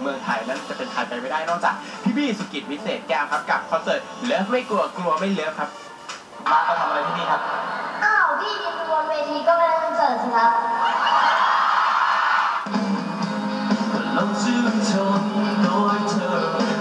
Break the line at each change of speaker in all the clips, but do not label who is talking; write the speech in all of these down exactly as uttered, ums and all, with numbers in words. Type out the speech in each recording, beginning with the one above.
มืองไทยนั้นจะเป็นใครไปไม่ได้นอกจากพี่บี้สุกิจวิเศษแก้วครับกับคอนเสิร์ตเลิฟไม่กลัวกลัวไม่เลิฟครับมาทำอะไรที่นี่ครับ
อ้าวพี่ยืนบนเวทีก็ไม่ได้คอนเสิร์ตสิครับ
เราชื่นชมโดยเธอ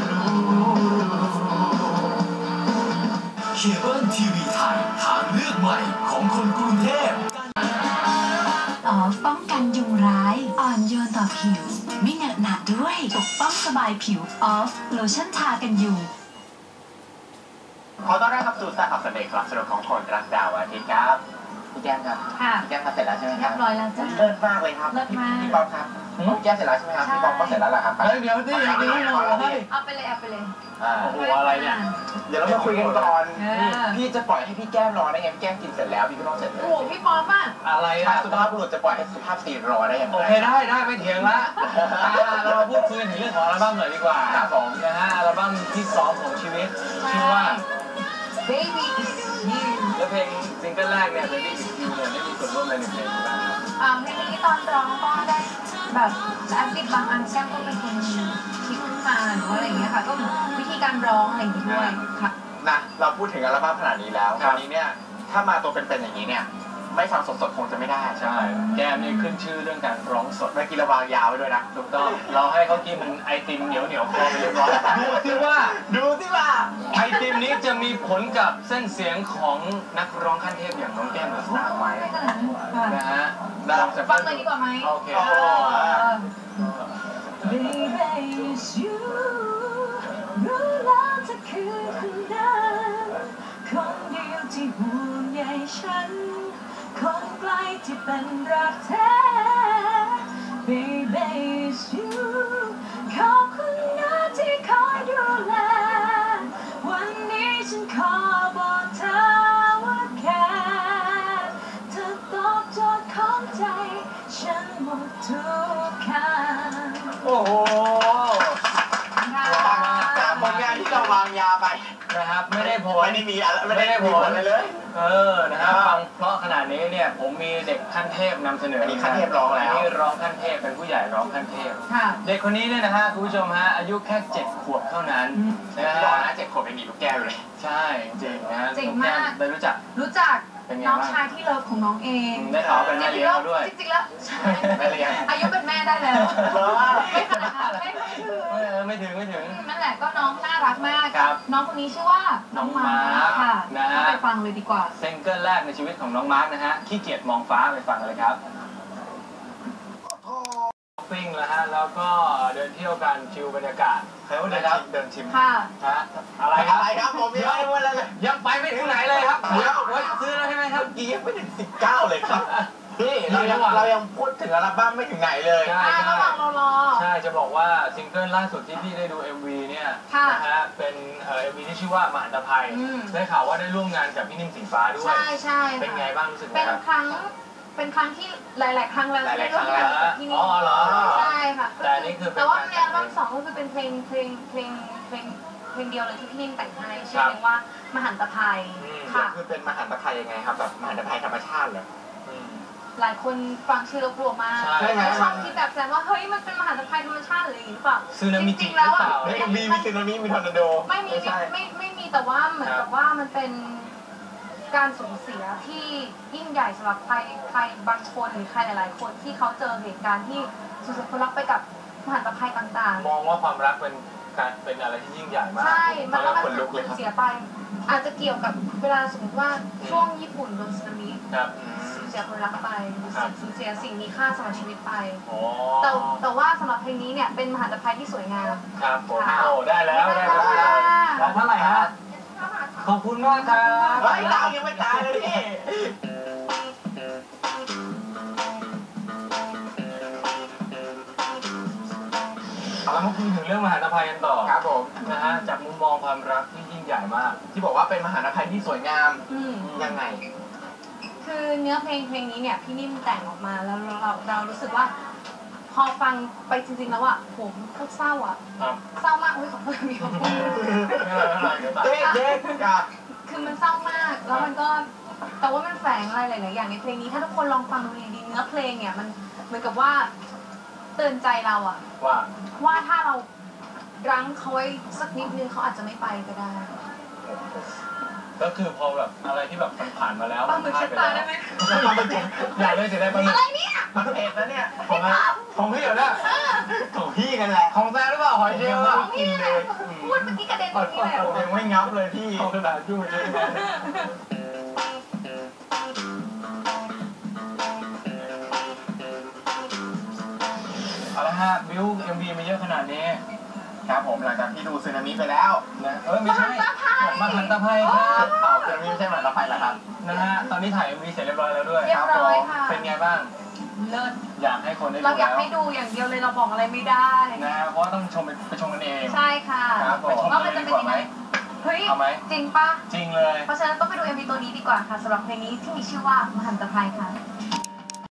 เคเบิลทีวีไทยทางเลือกใหม่ของคนกรุงเทพ
ออฟป้องกันยุงร้ายอ่อนโยนต่อผิวไม่เหนอะหนะด้วยปกป้องสบายผิวออฟโลชั่นทากันยุง
ขอต้อนรับเข้าสู่สายข่าวเสน่ห์ครับสนุกของคนรักดาวอาทิตย์ครับพี่แก้มครับพี่แก้มมาเสร็จแล้วใช่ไหมครับ
เรียบร้อยแล้วจ้ะ
เลิศมากเลยครับ
เลิศมาก
พี่ป๊อปครับพี่แก้มเสร็จแล้วใช่ไหมครับพี่ป๊อปก็เสร็จแล้วแหละครับ
เดี๋ยวที่ยังไม่หมดเลย
เอาไปเลยเอาไปเลย
โอ้โหอะไรเนี่ยเดี๋ยวเรามาคุยกันก่อนพี่จะปล่อยให้พี่แก้มรอได้ไงพี่แก้มกินเสร็จแล้วพี่ก็ต้องเสร็จเลย
โอ้พี่ป๊อปอ่ะ
อะไร
อ่ะสุภาพบุรุษจะปล่อยให้สุภาพสตรีรอได้ยังไง
โอเคได้ได้ไม่เถียงละเรามาพูดคุยถึงเรื่องของอัลบั้มหน่อยดีกว่า
ครับผม
นะฮะอัลบั้มที่สองของชีวิตชื่อว่า
Baby Is You
และเพลงซิงเกิลแรกเนี่ย Baby Is You เนี่ยได้มีส่วนร่วมในหนึ่งเพลงบ้างครับ
อ่าเพลงนี้ตอนร้องก็ได้แบบแอคติฟบางอันแก้มก็เป็นคนคิดขึ้นมาหรือว่าอะไรอย่างเงี้ยค่ะก็วิธีการร้องอะไรอย่างงี้ด้วยค่ะ
นะเราพูดถึงอัลบั้มขนาดนี้แล้วตอนนี้เนี่ยถ้ามาตัวเป็นๆอย่างนี้เนี่ยไม่ฟังสดๆคงจะไม่ได้
ใช่แกมนี่ขึ้นชื่อเรื่องการร้องสด
เมื่อกี้เราวางยาวไว้ด้วยนะ
ถูกต้องเราให้เขากินไอติมเหนียวเหนียวคอไปเรียบร้อยดูสิว่า
ดูสิว่า
ไอติมนี้จะมีผลกับเส้นเสียงของนักร้องขั้นเทพอย่างน้องแก้มเดอะสตาร์ไหมนะฮะ
ฟังเลยดีกว่าไหม
โอเค
Baby is you รู้แล้วเธอคือคนนั้นคนเดียวที่ห่วงใยฉันคนใกล้ที่เป็นรักแท้ Baby is you ขอบคุณนะที่คอยดูแลวันนี้ฉันขอบอกเธอว่าแค่เธอตอบโจทย์ของใจฉันหมดทุกคำ
โอ้โหจากผลงานที่เราวางยาไป
นะครับไม่ได้ผล
ไม่ได้มีอะไรไม่ได้ผลอะไรเลย
เออนะครับฟังเพราะขนาดนี้เนี่ยผมมีเด็กขั้นเทพนำเสนอ
อันนี้ขั้นเทพร้องแล้ว
นี่ร้องขั้นเทพเป็นผู้ใหญ่ร้องขั้นเทพเด็กคนนี้เนี่ยนะฮะคุณผู้ชมฮะอายุแค่เจ็ดขวบเท่านั้น
นะฮะบอกนะเจ็ดขวบยังมีลูกแก้วอยู่เลย
ใช่จริงนะ
จริงมาก
ได้รู้จัก
รู้จักน้องชายที่เลิฟของน้องเอง
ได้ข่าวเป็นแม่เลี้ยงด้วย
จริงๆแล้ว
แม่เลี้ยง
อายุเป็นแม่ได้แล้วไม่ขนาดนั้นไม่
ไม่ถึงไม่ถึง
นั่นแหละก็น้องน่ารักมากน้องคนนี้ชื่อว่าน้องมาร์คค่ะนะฮะไปฟังเลยดีกว่า
ซิงเกิลแรกในชีวิตของน้องมาร์คนะฮะขี้เกียจมองฟ้าไปฟังกันเลยครับปิ้งแล้วฮะแล้วก็เดินเที่ยวกันชิลบรรยากาศ
ใครว่าเดินชิมเดินชิม
ค่ะ
ฮะอะไรครับ
อะไรครับผมยังไม่ได้เลย
ยังไปไม่ถึงไหนเลยครับเดี๋ยวซื้อแล้วใช่ไหมครับ
กี้ยังไม่ถึงสิบเก้าเลยครับพี่เรายังเรายังพูดถึงอัลบั้มไม่ถึงไหนเลย
ใช่
ระหว่างเรารอ
ใช่จะบอกว่าซิงเกิลล่าสุดที่พี่ได้ดู เอ็ม วี เนี่ยนะฮะเป็นเอ่อ เอ็ม วี ที่ชื่อว่ามหันตภัยได้ข่าวว่าได้ร่วมงานกับพี่นิ่มสีฟ้าด้วย
ใช่ใช่
เป็นไงบ้างรู้สึก
เป็นครั้งเป็นครั้งที่หลายๆครั้งแล้ว
หลายๆครั้งแล้วอ๋อเหรอ
ใช่ค่ะ
แต่นี่คือ
แต่ว่าในอัลบั้มสองก็คือเป็นเพลงเพลงเพลงเพลงเพลงเดียวเลยที่พี่นิ่มแต่งให้ชื่อเพลงว่ามหันตภัย
ค่ะคือเป็นมหันตภัยยังไงครับแบบมหันตภัยธรรมชาติเหรอ
หลายคนฟังชื่อแล้วกลัวมากชอบที่แบบแซมว่าเฮ้ยมันเป็นมหันตภัยธรรมชาติหรืออย่างนี้หรือเปล่า
จ
ริงๆแล้วอ่ะ
มีมีซึนามิมีทอร์นาโด
ไม่มีไม่ไม่มีแต่ว่าเหมือนกับว่ามันเป็นการสูญเสียที่ยิ่งใหญ่สำหรับใครใครบางคนหรือใครหลายๆคนที่เขาเจอเหตุการณ์ที่สูญเสียคนรักไปกับมหันตภัยต่าง
ๆมองว่าความรักเป็นการเป็นอะไรที่ยิ่งใหญ่มาก
ใช่มันก็มันสูญเสียไปอาจจะเกี่ยวกับเวลาสมมติว่าช่วงญี่ปุ่นโดนสึนามิสูญเสียคนรักไปสูญเสียสิ่งมีค่าสำหรับชีวิตไปแต่แต่ว่าสำหรับเพลงนี้เนี่ยเป็นมหันตภัยที่สวยงาม
ครับผมโอ้ได้แล้วได้แล้วแล้วเท่าไหร่ฮะขอบคุณมากครับ
ไม่ตายยังไม่ตายเลยพี่
เรามาคุยถึงเรื่องมหันตภัยกันต่อ
ครับผม
นะฮะจากมุมมองความรักที่ยิ่งใหญ่มาก
ที่บอกว่าเป็นมหันตภัยที่สวยงามยังไง
คือเนื้อเพลงเพลงนี้เนี่ยพี่นิ่มแต่งออกมาแล้วเราเรารู้สึกว่าพอฟังไปจริงๆแล้วอ่ะผมโคตรเศร้าอ่ะเศร้ามากอุ้ยขอโทษมีคนพูด
เด็กเด็ก
คือมันเศร้ามากแล้วมันก็แต่ว่ามันแฝงอะไรหลายๆอย่างในเพลงนี้ถ้าทุกคนลองฟังดูดีๆเนื้อเพลงเนี่ยมันเหมือนกับว่าเตือนใจเราอะ
ว่า
ว่าถ้าเรารั้งเขาไว้สักนิดนึงเขาอาจจะไม่ไปก็ได้
ก็คือพอแบบอะไรที่แบบมันผ่านมาแล้ว
ปลาหมึก
ผ่
เช็
น
ด
ป
ตา
แล้ว
ได้ไหม
อยากได้จะได้ปลาหมึก
อะไรเนี่ย
มันเผ็ดนะเนี่ย
ของอะไรของพี่เหรอเนี่ย
ของพี่กันแหละ
ของแซ่หรือเปล่าหอยเชลล์อะ
ผมยังไม่ได้กินเลย
พูดเมื่อกี้กระเด็นตรงนี้เลย
ผมยังไม่งับเลยพี่
ของกระดาษยุ่งเลยนะเอาละฮะบิวเอ็มวีมาเยอะขนาดนี้
ครับผมหลังจากที่ดูซึนามิไปแล้ว
นะเออไม่ใช่
มหันตภัย
มหันตภัยครับ
เปล่าซึนามิไม่ใช่หมาตะไคร้เหรอครับ
นะฮะตอนนี้ถ่าย เอ็ม วี เสร็จเรียบร้อยแล้วด้วย
เรียบร้อยค่ะ
เป็นไงบ้าง
เลิศ
อยากให้คนได้ดู
เราอยาก
แล้ว
ให้ดูอย่างเดียวเลยเราบอกอะไรไม่ได้
นะฮะเพราะว่าต้องชมไปไปชมกันเอง
ใช่ค่ะ
ครับผม
ว่ามันจะเป็นยังไงเฮ้ย
เอาไหม
จริงปะ
จริงเลย
เพราะฉะนั้นต้องไปดู เอ็ม วี ตัวนี้ดีกว่าค่ะสำหรับเพลงนี้ที่มีชื่อว่ามหันตภัยค่ะ